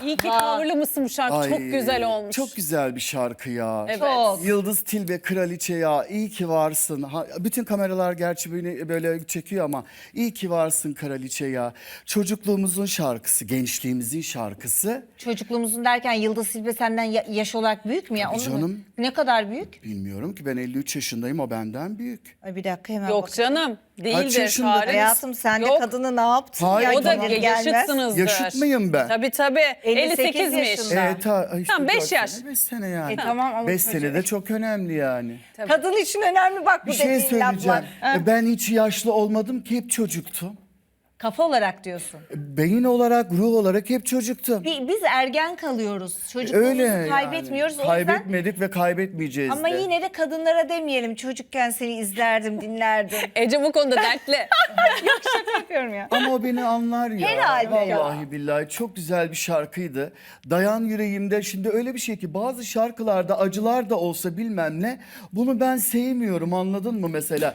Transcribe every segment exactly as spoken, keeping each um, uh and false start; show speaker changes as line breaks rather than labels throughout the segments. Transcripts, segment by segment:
İyi ki coverlı mısın bu şarkı.
Ay,
Çok güzel olmuş.
Çok güzel bir şarkı ya.
Evet.
Çok.
Yıldız Tilbe Kraliçe ya, iyi ki varsın. Ha, bütün kameralar gerçi beni böyle çekiyor ama iyi ki varsın Kraliçe ya. Çocukluğumuzun şarkısı, gençliğimizin şarkısı.
Çocukluğumuzun derken Yıldız Silbe senden ya- yaş olarak büyük mü ya?
Tabii
Onu mu-
canım.
Ne kadar büyük?
Bilmiyorum ki, ben elli üç yaşındayım, o benden büyük.
Ay bir dakika hemen
Yok
bak.
canım. Değildir.
yaşında?
Çağrı.
Hayatım sen de
Yok.
kadını ne yaptın?
Hayır,
ya?
O da
tamam.
Gelmez.
yaşıtsınızdır.
Yaşıt mıyım ben?
Tabii tabii.
elli sekiz
elli sekizmiş.
yaşında.
Evet, ha, işte
Tamam, beş
dört
yaş.
sene, beş sene yani.
E, tamam ama
beş
çocuğu-
sene de çok önemli yani.
Kadın için önemli bak bu
Bir şey
dediğin
söyleyeceğim.
laflar. Ha.
E, Ben hiç yaşlı olmadım ki, hep çocuktum.
Kafa olarak diyorsun.
Beyin olarak, ruh olarak hep çocuktum.
Bi- Biz ergen kalıyoruz. Çocukluğumuzu
Öyle yani.
kaybetmiyoruz. O yüzden
Kaybetmedik ve kaybetmeyeceğiz
ama
de.
yine de kadınlara demeyelim. Çocukken seni izlerdim, dinlerdim.
Ece bu konuda dertli.
Yapıyorum ya.
Ama o beni anlar ya.
Herhalde ya.
Vallahi billahi çok güzel bir şarkıydı. Dayan yüreğimde, şimdi öyle bir şey ki bazı şarkılarda acılar da olsa bilmem ne, bunu ben sevmiyorum, anladın mı mesela?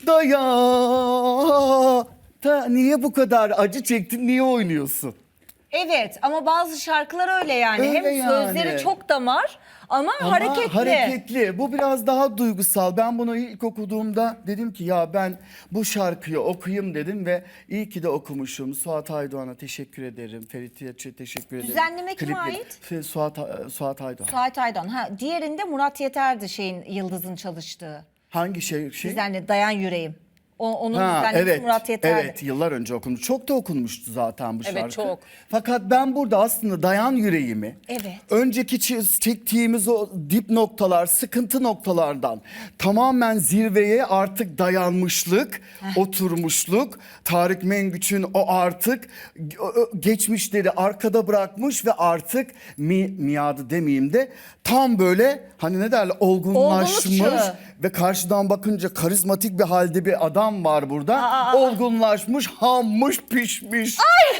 Dayan. Ta, niye bu kadar acı çektin, niye oynuyorsun?
Evet ama bazı şarkılar öyle yani.
Öyle
Hem
yani.
sözleri çok damar ama,
Ama
hareketli.
hareketli. Bu biraz daha duygusal. Ben bunu ilk okuduğumda dedim ki ya ben bu şarkıyı okuyayım dedim ve iyi ki de okumuşum. Suat Aydoğan'a teşekkür ederim. Ferit'e teşekkür ederim.
Düzenleme kime
Klipleri-
ait?
Fe- Suat, Suat Aydoğan.
Suat Aydan. Ha, diğerinde Murat Yeter'di şeyin Yıldız'ın çalıştığı.
Hangi şey? şey?
Düzenle Dayan Yüreğim. O, onun
Ha,
düzenlemesi
evet,
Murat Yeter'di.
evet, yıllar önce okunmuş. Çok da okunmuştu zaten bu
Evet,
şarkı.
çok.
Fakat ben burada aslında dayan yüreğimi,
Evet.
önceki çi- çektiğimiz o dip noktalar, sıkıntı noktalardan tamamen zirveye artık dayanmışlık, oturmuşluk, Tarık Mengüç'ün o artık geçmişleri arkada bırakmış ve artık mi, miadı demeyeyim de tam böyle hani ne derler, olgunlaşmış
Olgunlukçu.
ve karşıdan bakınca karizmatik bir halde bir adam var burada.
Aa, aa.
Olgunlaşmış, hammış, pişmiş.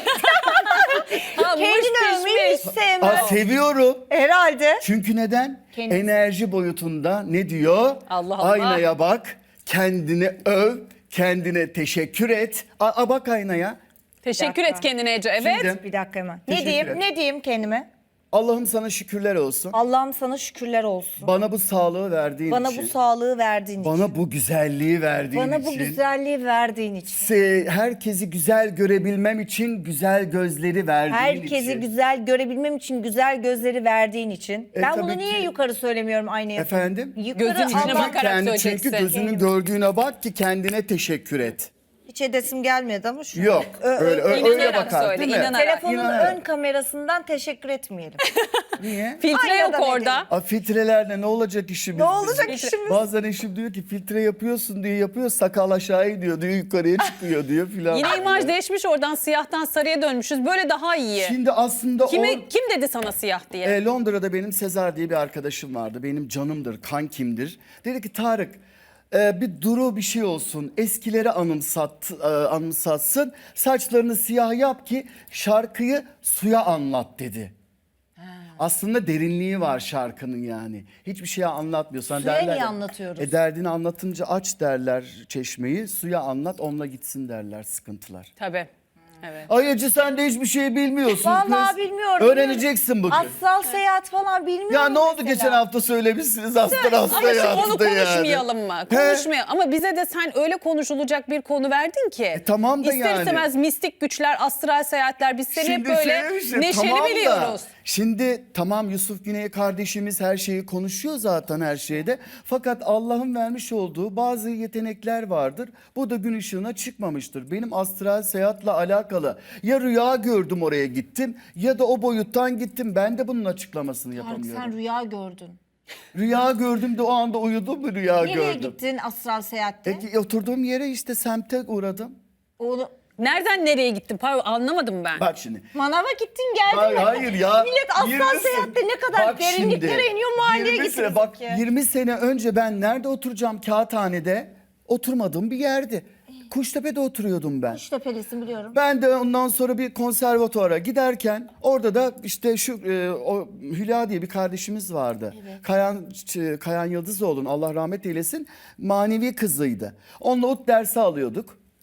Ha,
Kendini
muş
övmeyi hiç
pişmiş.
sevmem.
Aa, seviyorum.
Herhalde.
Çünkü neden?
Kendisi.
Enerji boyutunda ne diyor?
Allah Allah.
Aynaya bak, kendini öv, kendine teşekkür et. Aa, bak aynaya.
Teşekkür
dakika.
et kendine Ece. Evet.
Şimdi-
Bir dakika hemen. Ne
Teşekkür
diyeyim?
ederim.
Ne diyeyim kendime?
Allah'ım sana şükürler olsun.
Allah'ım sana şükürler olsun.
Bana bu sağlığı verdiğin
Bana
için.
bu sağlığı verdiğin için.
Bana bu güzelliği verdiğin
Bana
için.
bu güzelliği verdiğin için.
Se- herkesi güzel görebilmem için güzel gözleri verdiğin
Herkesi
için.
güzel görebilmem için güzel gözleri verdiğin için.
E,
ben
tabii
bunu niye
ki.
yukarı söylemiyorum aynaya?
Efendim?
Yukarı
Gözün içine
ama
bakarak
Kendi,
söyleyeceksin.
çünkü gözünün gördüğüne bak ki kendine teşekkür et.
hiç edesim gelmedi ama şu.
Yok.
Ö- ö-
öyle, ö- öyle
İnanarak
bakar
söyle,
değil mi?
inanarak.
Telefonun
İnanarak.
ön kamerasından teşekkür etmeyelim.
Niye?
Filtre
Aynadan
yok orada.
edelim.
A, filtrelerle ne olacak işimiz?
Ne olacak
bizim?
işimiz?
Bazen eşim diyor ki filtre yapıyorsun diye yapıyor, sakal aşağı iniyor diyor, yukarıya çıkıyor diyor filan.
Yine imaj değişmiş, oradan siyahtan sarıya dönmüşüz. Böyle daha iyi.
Şimdi aslında
Kime,
o...
kim dedi sana siyah diye?
E, Londra'da benim Sezar diye bir arkadaşım vardı. Benim canımdır, kankimdir. Dedi ki Tarık, e, bir duru bir şey olsun. Eskileri anımsat, e, anımsatsın. Saçlarını siyah yap ki şarkıyı suya anlat dedi. Aslında derinliği var şarkının yani. Hiçbir şey anlatmıyorsan
Suya
derler.
niye
ya,
anlatıyoruz?
E derdini anlatınca aç derler çeşmeyi. Suya anlat, onunla gitsin derler sıkıntılar.
Tabii. Evet.
Ay Ece, sen de hiçbir şey bilmiyorsun
Vallahi
kız.
bilmiyorum.
Öğreneceksin bugün.
Astral seyahat falan bilmiyorum
Ya ne oldu
mesela.
geçen hafta söylemişsiniz astral
Ama şu
seyahatte
konu
yani.
konuşmayalım mı?
He?
Konuşmayalım. Ama bize de sen öyle konuşulacak bir konu verdin ki.
E tamam da
İster
yani.
istemez mistik güçler, astral seyahatler, biz seni hep böyle
söylemişim,
neşeli
tamam da,
biliyoruz.
Şimdi tamam, Yusuf Güney kardeşimiz her şeyi konuşuyor zaten her şeyde. Fakat Allah'ın vermiş olduğu bazı yetenekler vardır. Bu da gün ışığına çıkmamıştır. Benim astral seyahatle alakalı ya rüya gördüm oraya gittim ya da o boyuttan gittim. Ben de bunun açıklamasını
Tarık,
yapamıyorum.
sen rüya gördün.
Rüya gördüm de o anda uyudum mu rüya
Nereye
gördüm.
gittin astral seyahatte?
Peki oturduğum yere işte semte uğradım.
Onu,
Nereden nereye gittin? Pardon, anlamadım ben.
Bak şimdi.
manava gittin geldin
Hayır,
mi?
hayır ya.
Millet astral
yirmi sene-
seyahatte ne kadar
Bak
derinliklere
şimdi,
iniyor, mahalleye
yirmi
gittiniz
sene- Bak
ki.
yirmi sene önce ben nerede oturacağım? Kağıthane'de oturmadığım bir yerdi. Kuştepe'de oturuyordum ben.
Kuştepe'lisin biliyorum.
Ben de ondan sonra bir konservatuara giderken orada da işte şu e, o Hülya diye bir kardeşimiz vardı. Kayan Ç- Kayan Yıldızoğlu'nun Allah rahmet eylesin manevi kızıydı. Onunla ut dersi alıyorduk.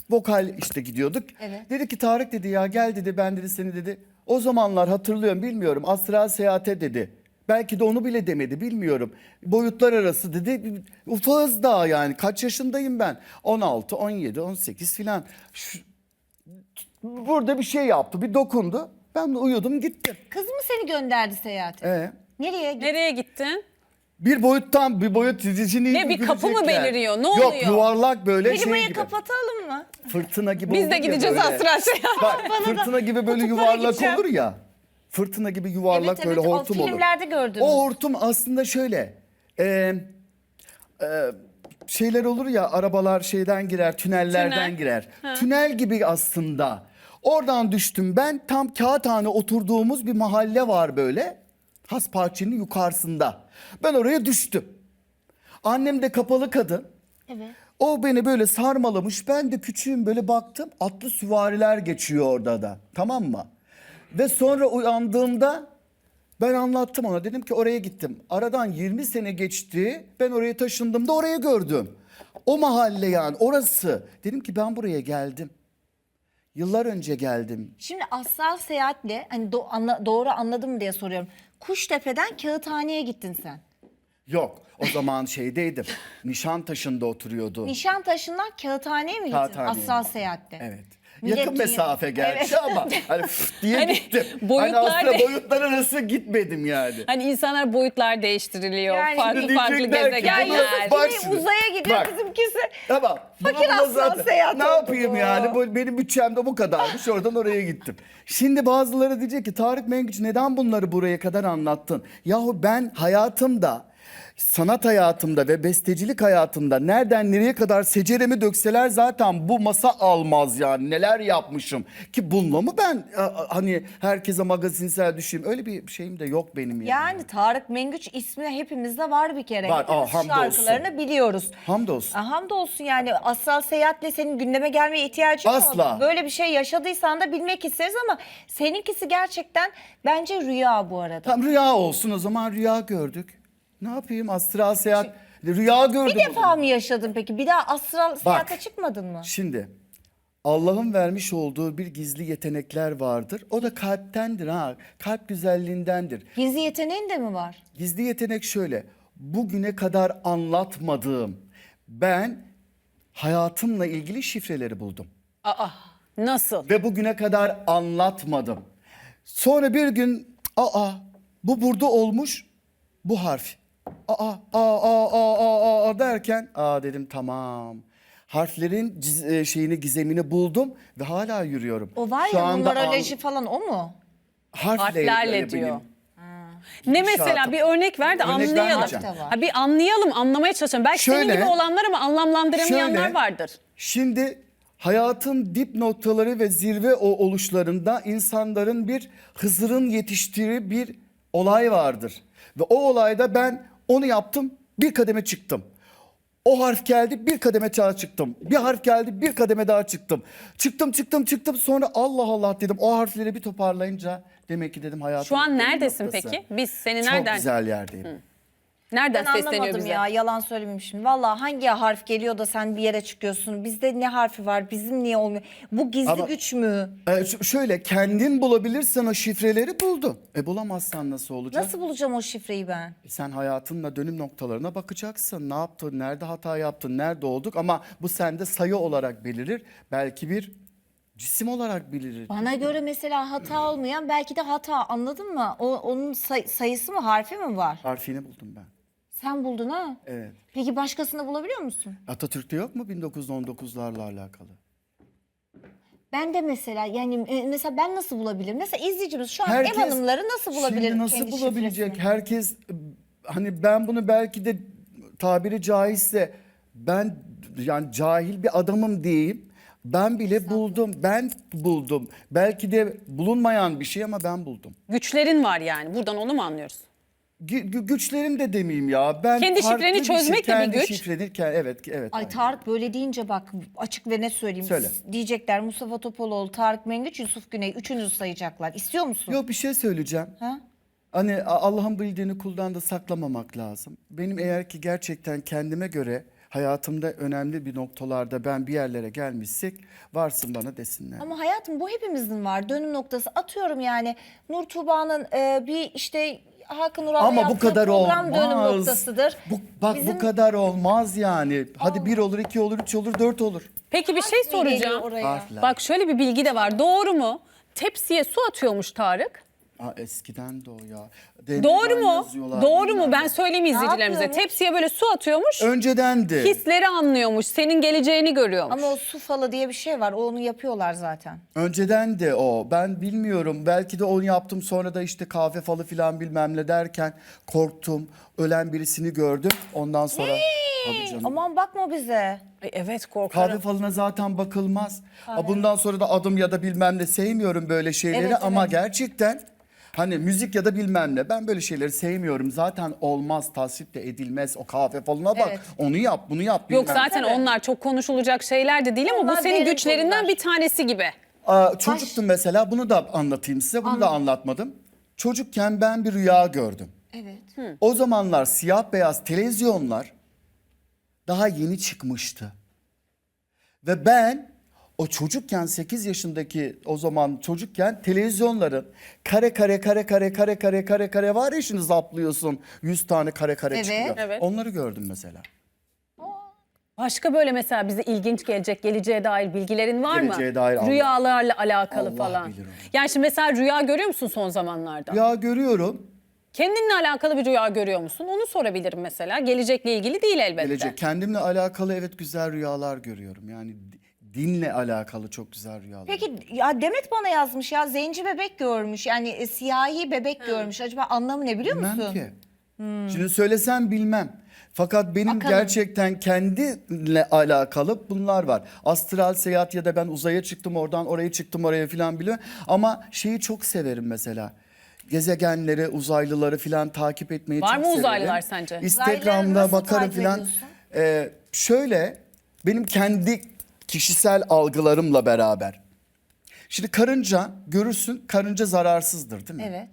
Vokal işte gidiyorduk.
Evet.
Dedi ki Tarık dedi ya gel dedi ben dedi seni dedi. O zamanlar hatırlıyorum bilmiyorum astral seyahate dedi. Belki de onu bile demedi bilmiyorum. Boyutlar arası dedi. Ufağız daha yani kaç yaşındayım ben? on altı, on yedi, on sekiz filan. Şu- Burada bir şey yaptı bir dokundu. Ben de uyudum gittim.
Kız mı seni gönderdi seyahate?
Ee,
Nereye gittin?
Nereye gittin?
bir boyuttan bir boyut dizisini
Ne, bir kapı mı
görecekler.
beliriyor? Ne
Yok,
oluyor?
yuvarlak böyle şey
Klimayı
gibi.
kapatalım mı?
Fırtına gibi
Biz
olur
de
ya
gideceğiz
böyle.
astral seyahat.
Bak fırtına gibi böyle
kutuplara
yuvarlak
gideceğim.
olur ya. Fırtına gibi yuvarlak
Evet,
böyle
evet, o
hortum olur.
filmlerde gördünüz.
O hortum aslında şöyle. E, e, şeyler olur ya arabalar şeyden girer tünellerden
Tünel.
girer. Tünel gibi aslında. Oradan düştüm ben tam Kağıthane oturduğumuz bir mahalle var böyle. Hasparçı'nın yukarısında. Ben oraya düştüm. Annem de kapalı kadın.
Evet.
O beni böyle sarmalamış. Ben de küçüğüm böyle baktım. Atlı süvariler geçiyor orada da. Tamam mı? Ve sonra uyandığımda ben anlattım ona. Dedim ki oraya gittim. Aradan yirmi sene geçti. Ben oraya taşındım da oraya gördüm. O mahalle yani orası. Dedim ki ben buraya geldim. Yıllar önce geldim.
Şimdi astral seyahatle hani do- anla- doğru anladım diye soruyorum. Kuştepe'den Kağıthane'ye gittin sen.
Yok o zaman şeydeydim. Nişantaşı'nda oturuyordu.
Nişantaşı'ndan Kağıthane'ye mi gittin
Kağıthane'ye.
astral seyahatle?
Evet.
Millet
Yakın
dünya-
mesafe gerçi
Evet.
ama hani fıt diye
Hani
gittim.
boyutlar
hani aslında
de-
boyutlar arası gitmedim yani.
Hani insanlar boyutlar değiştiriliyor.
Yani
farklı
şimdi
farklı
diyecekler ki,
gezegenler.
"Bunu- Bak
Yine
şimdi,
uzaya gidiyor
bak.
bizimkisi.
Tamam.
Fakir
Buna
aslan
zaten-
seyahat
Ne
oldu
yapayım
bu.
yani? Bu, benim bütçem de bu kadarmış. Oradan oraya gittim. Şimdi bazıları diyecek ki Tarık Mengüç neden bunları buraya kadar anlattın? Yahu ben hayatımda sanat hayatımda ve bestecilik hayatımda nereden nereye kadar seceremi dökseler zaten bu masa almaz yani neler yapmışım ki bununla mı ben a- a- hani herkese magazinsel düşeyim öyle bir şeyim de yok benim yani.
Yani Tarık Mengüç ismi hepimizde var bir kere.
Var,
Hepimiz
aa, hamdolsun.
şarkılarını biliyoruz.
Hamdolsun.
Aa, hamdolsun yani astral seyahatle senin gündeme gelmeye ihtiyacın
Asla.
oldu. Böyle bir şey yaşadıysan da bilmek isteriz ama seninkisi gerçekten bence rüya bu arada.
Tam rüya olsun o zaman rüya gördük. Ne yapayım astral seyahat rüya gördüm.
Bir defa mı yaşadın peki? Bir daha astral seyahate çıkmadın mı?
Şimdi Allah'ın vermiş olduğu bir gizli yetenekler vardır. O da kalptendir ha. Kalp güzelliğindendir.
Gizli yeteneğin de mi var?
Gizli yetenek şöyle. Bugüne kadar anlatmadığım ben hayatımla ilgili şifreleri buldum.
Aa, nasıl?
Ve bugüne kadar anlatmadım. Sonra bir gün aa bu burada olmuş bu harf. Aa aa aa aa aa, aa derken aa dedim tamam. Harflerin ciz- e, şeyini gizemini buldum ve hala yürüyorum.
O var
Şu
ya
anda
numeroloji
an-
falan o mu?
harfle,
Harflerle
yani
diyor.
benim
Ne
gidişatım.
mesela bir örnek ver de
Örnek
anlayalım.
vermeyeceğim.
Harf de var.
Ha, bir anlayalım, anlamaya çalışalım. Belki senin
Şöyle-
gibi olanlar ama anlamlandıramayanlar
Şöyle,
vardır.
Şimdi hayatın dip noktaları ve zirve o oluşlarında insanların bir Hızır'ın yetiştiği bir olay vardır. Ve o olayda ben onu yaptım, bir kademe çıktım. O harf geldi, bir kademe daha çıktım. Bir harf geldi, bir kademe daha çıktım. Çıktım, çıktım, çıktım. Sonra Allah Allah dedim. O harfleri bir toparlayınca demek ki dedim hayatım.
Şu an neredesin
noktası.
peki? Biz seni
Çok
nereden?
güzel yerdeyim.
Nereden
Ben
sesleniyor
anlamadım
bize?
ya, yalan söylemeyeyim şimdi. Vallahi hangi harf geliyor da sen bir yere çıkıyorsun? Bizde ne harfi var? Bizim niye olmuyor? Bu gizli
Ama-
güç mü?
Ee, ş- şöyle kendin bulabilirsen o şifreleri buldun. E bulamazsan nasıl olacak?
Nasıl bulacağım o şifreyi ben?
Sen hayatınla dönüm noktalarına bakacaksın. Ne yaptın, nerede hata yaptın, nerede olduk ama bu sende sayı olarak belirir. Belki bir cisim olarak belirir.
Bana göre mesela hata olmayan belki de hata, anladın mı? O, onun say- sayısı mı, harfi mi var?
Harfini buldum ben.
Sen buldun ha?
Evet.
Peki başkasını bulabiliyor musun?
Atatürk'te yok mu bin dokuz yüz on dokuzlarla alakalı?
Ben de mesela yani e, mesela ben nasıl bulabilirim? Mesela izleyicimiz şu an
Herkes-
ev hanımları nasıl bulabilir
Şimdi nasıl
kendi
bulabilecek?
şifresini?
Herkes hani ben bunu belki de tabiri caizse ben yani cahil bir adamım diyeyim. Ben bile buldum. Ben buldum. Belki de bulunmayan bir şey ama ben buldum.
Güçlerin var yani. Buradan onu mu anlıyoruz?
Gü- gü- güçlerim de demeyeyim ya. Ben
Kendi
farklı
şifreni
bir şey-
çözmek de bir
kendi
güç.
şifreni ke- evet evet.
Ay
aynen.
Tarık böyle deyince bak açık ve net söyleyeyim.
Söyle.
Diyecekler Mustafa Topaloğlu, Tarık Mengüç, Yusuf Güney üçünüzü sayacaklar. İstiyor musun?
Yok bir şey söyleyeceğim.
Ha?
Hani A- Allah'ın bildiğini kuldan da saklamamak lazım. Benim eğer ki gerçekten kendime göre hayatımda önemli bir noktalarda ben bir yerlere gelmişsek varsın bana desinler.
Ama hayatım bu hepimizin var dönüm noktası. Atıyorum yani Nur Tuğba'nın e, bir işte Hakan Ural'la
Ama bu
yaptığı
kadar
program
olmaz.
dönüm noktasıdır.
Bu, bak
Bizim-
bu kadar olmaz yani. Hadi bir olur, iki olur, üç olur, dört olur.
Peki bir şey
Harf mi geliyor
soracağım.
oraya?
Harfler.
Bak şöyle bir bilgi de var. Doğru mu? Tepsiye su atıyormuş Tarık.
Aa, eskiden de o ya.
Doğru
Demirden
mu?
yazıyorlar,
Doğru
bilmem
mu? Ben
ne.
söyleyeyim izleyicilerimize.
yapıyormuş?
Tepsiye böyle su atıyormuş.
Öncedendi.
Hisleri anlıyormuş. Senin geleceğini görüyormuş.
Ama o su falı diye bir şey var. Onu yapıyorlar zaten.
Önceden de o. Ben bilmiyorum. Belki de onu yaptım. Sonra da işte kahve falı filan bilmem ne derken korktum. Ölen birisini gördüm. Ondan sonra... Tabii canım.
Aman bakma bize.
Ay, evet korkarım.
Kahve falına zaten bakılmaz. Aa, bundan sonra da adım ya da bilmem ne sevmiyorum böyle şeyleri
Evet,
ama
evet.
gerçekten hani müzik ya da bilmem ne ben böyle şeyleri sevmiyorum. Zaten olmaz, tasvip de edilmez. O kahve falına bak.
Evet.
Onu yap, bunu yap.
Yok
bilmem.
zaten
Tabii.
onlar çok konuşulacak şeyler de değil ama
Onlar
bu senin
derin
güçlerinden
konular.
bir tanesi gibi.
Aa, çocuktum mesela, bunu da anlatayım size. Bunu da anlatmadım. Çocukken ben bir rüya gördüm.
Evet.
O zamanlar siyah beyaz televizyonlar daha yeni çıkmıştı. Ve ben o çocukken sekiz yaşındaki o zaman çocukken televizyonların kare kare kare kare kare kare kare kare var ya şimdi zaplıyorsun yüz tane kare kare
Evet.
çıkıyor.
Evet.
Onları gördüm mesela.
Başka böyle mesela bize ilginç gelecek, geleceğe dair bilgilerin var mı?
Geleceğe dair Allah-
Rüyalarla alakalı
Allah
falan.
bilir onu.
Yani şimdi mesela rüya görüyor musun son zamanlarda?
Rüya görüyorum.
Kendinle alakalı bir rüya görüyor musun? Onu sorabilirim mesela. Gelecekle ilgili değil elbette.
Gelecek. Kendimle alakalı evet güzel rüyalar görüyorum. Yani di- dinle alakalı çok güzel rüyalar.
Peki ya Demet bana yazmış ya zenci bebek görmüş. Yani e, siyahi bebek görmüş. Acaba anlamı ne biliyor
Bilmem
musun?
ki. Şimdi söylesem bilmem. Fakat benim
Bakalım.
gerçekten kendimle alakalı bunlar var. Astral seyahat ya da ben uzaya çıktım oradan oraya çıktım oraya filan biliyorum. Ama şeyi çok severim mesela. Gezegenleri, uzaylıları filan takip etmeyi
Var
çok
mı
severim.
uzaylılar sence?
Uzaylıları
Instagram'da
nasıl
bakarım
takip
filan.
ediyorsun?
Ee, şöyle benim kendi kişisel algılarımla beraber. Şimdi karınca görürsün karınca zararsızdır değil mi?
Evet.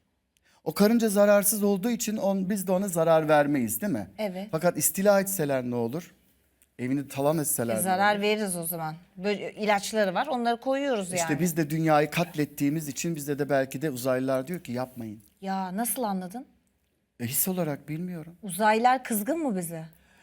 O karınca zararsız olduğu için on, biz de ona zarar vermeyiz değil mi?
Evet.
Fakat istila etseler ne olur? Evini talan etseler
E,
ne
zarar
olur?
veririz o zaman. Böyle ilaçları var. Onları koyuyoruz yani.
İşte biz de dünyayı katlettiğimiz için bizde de belki de uzaylılar diyor ki yapmayın.
Ya nasıl anladın?
E, his olarak bilmiyorum.
Uzaylılar kızgın mı bize?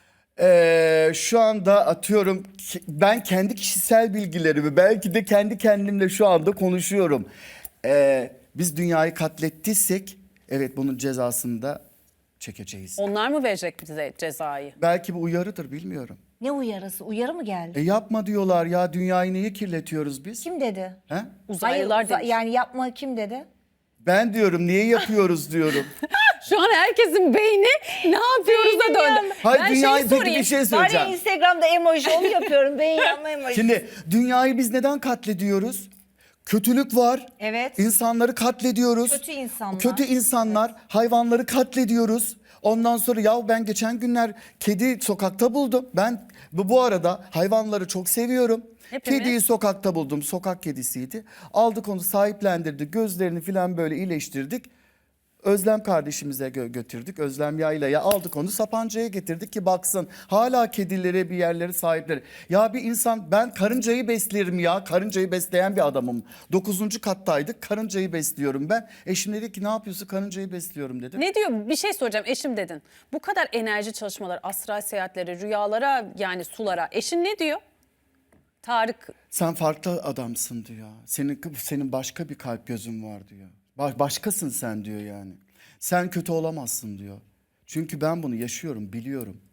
Ee, şu anda atıyorum ki- ben kendi kişisel bilgilerimi belki de kendi kendimle şu anda konuşuyorum. Ee, biz dünyayı katlettiysek evet bunun cezasını da çekeceğiz.
Onlar mı verecek bize cezayı?
Belki bu uyarıdır bilmiyorum.
Ne uyarısı? Uyarı mı geldi?
E yapma diyorlar ya dünyayı niye kirletiyoruz biz?
Kim dedi?
He?
Uzaylılar
Hayır, uza-
demiş.
yani yapma kim dedi?
Ben diyorum niye yapıyoruz diyorum.
Şu an herkesin beyni ne yapıyoruz da döndü.
Hayır
Ben
dünyayı
şeyi
peki
sorayım.
bir şey
Var ya
söyleyeceğim.
Instagram'da emoji onu yapıyorum. Beyin yanma emoji.
Şimdi dünyayı biz neden katlediyoruz? Kötülük var.
Evet.
İnsanları katlediyoruz.
Kötü insanlar.
Kötü insanlar, hayvanları katlediyoruz. Ondan sonra ya ben geçen günler kedi sokakta buldum. Ben bu, bu arada hayvanları çok seviyorum.
Hepimiz.
Kediyi sokakta buldum. Sokak kedisiydi. Aldık onu sahiplendirdik. Gözlerini falan böyle iyileştirdik. Özlem kardeşimize gö- götürdük. Özlem Yayla'ya aldık onu Sapanca'ya getirdik ki baksın. Hala kedilere bir yerleri sahipleri. Ya bir insan ben karıncayı beslerim ya. Karıncayı besleyen bir adamım. Dokuzuncu kattaydık karıncayı besliyorum ben. Eşim dedi ki ne yapıyorsun karıncayı besliyorum dedi.
Ne diyor? Bir şey soracağım. Eşim dedin. Bu kadar enerji çalışmaları, astral seyahatleri, rüyalara yani sulara. Eşin ne diyor? Tarık
Sen farklı adamsın diyor. Senin senin başka bir kalp gözün var diyor. Ba- başkasın sen diyor yani. Sen kötü olamazsın diyor. Çünkü ben bunu yaşıyorum, biliyorum.